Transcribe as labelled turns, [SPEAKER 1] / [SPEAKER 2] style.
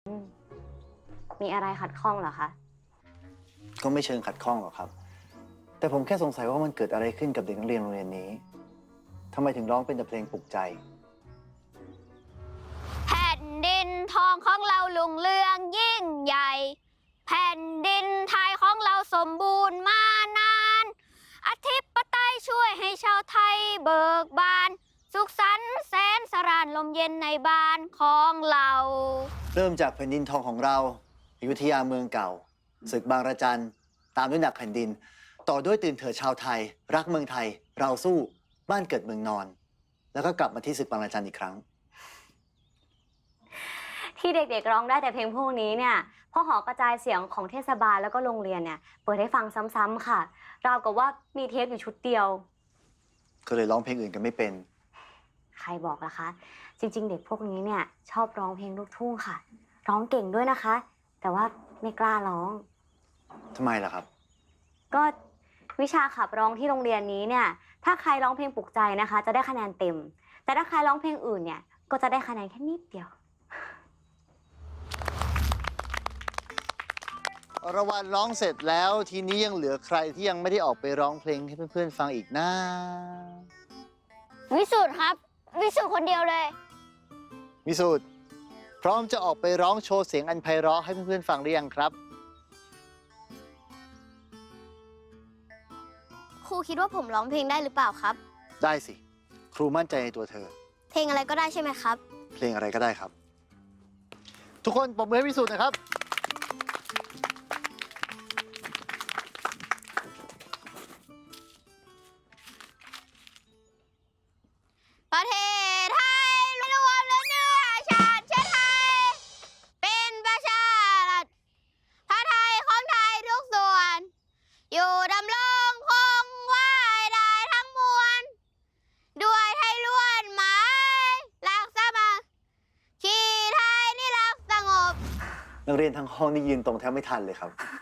[SPEAKER 1] มีอะไรขัดข้องเหรอคะ
[SPEAKER 2] ก็ไม่เชิงขัดข้องหรอกครับ แต่ผมแค่สงสัยว่ามันเกิดอะไรขึ้นกับเด็กนักเรียนโรงเรียนนี้ทำไมถึงร้องเป็นแต่เพลงปลุกใจ
[SPEAKER 1] แผ่นดินทองของเราลุงเรืองยิ่งใหญ่ แผ่นดินไทยของเราสมบูรณ์มานาน อธิปไตยช่วยให้ชาวไทยเบิกบาน สุขสันต์แสนสรานลมเย็นในบ้านของเรา
[SPEAKER 2] เริ่มจากแผ่นดินทองของเราอยุธยาเมืองเก่าศึกบางระจันตามด้วยหนักแผ่นดิน ต่อด้วยตื่นเถิดชาวไทย รักเมืองไทย เราสู้บ้านเกิดเมืองนอน แล้วก็กลับมาที่ศึกบางระจันอีกครั้ง
[SPEAKER 1] ที่เด็กๆร้องได้แต่เพลงพวกนี้เนี่ยเพราะหอกระจายเสียงของเทศบาลแล้วก็โรงเรียนเนี่ยเปิดให้ฟังซ้ำๆค่ะราวกับว่ามีเทปอยู่ชุดเดียว
[SPEAKER 2] ก็เลยร้องเพลงอื่นกันไม่เป็น
[SPEAKER 1] ใครบอกล่ะคะ จริงๆ เด็กพวกนี้เนี่ยชอบร้องเพลงลูกทุ่งค่ะ ร้องเก่งด้วยนะคะ แต่ว่าไม่กล้าร้อง
[SPEAKER 2] ทำไมล่ะครับ
[SPEAKER 1] ก็วิชาขับร้องที่โรงเรียนนี้เนี่ยถ้าใครร้องเพลงปลุกใจนะคะ จะได้คะแนนเต็ม แต่ถ้าใครร้องเพลงอื่นเนี่ยก็จะได้คะแนนแค่นิดเดียว
[SPEAKER 2] อรวรรณร้องเสร็จแล้วทีนี้ยังเหลือใครที่ยังไม่ได้ออกไปร้องเพลงให้เพื่อนๆฟังอีกนะ
[SPEAKER 1] วิสุทธ์ครับวิสุทธ์คนเดียวเลย
[SPEAKER 2] วิสุทธ์พร้อมจะออกไปร้องโชว์เสียงอันไพเราะให้เพื่อนๆฟังหรือยังครับ
[SPEAKER 1] ครูคิดว่าผมร้องเพลงได้หรือเปล่าครับ
[SPEAKER 2] ได้สิ ครูมั่นใจในตัวเธอ
[SPEAKER 1] เพลงอะไรก็ได้ใช่ไหมครับ
[SPEAKER 2] เพลงอะไรก็ได้ครับ ทุกคนปรบมือให้วิสุทธ์นะครับ
[SPEAKER 1] ประเทศไทยรวมและเนื้อชาติเชื้อไทย เป็นประชารัฐพระไทยของไทยทุกส่วน อยู่ดำรงคงไว้ได้ทั้งมวล ด้วยไทยล้วนหมายรักสามัคคีไทยนี่รักสงบ
[SPEAKER 2] นักเรียนทั้งห้องนี่ยืนตรงแทบไม่ทันเลยครับ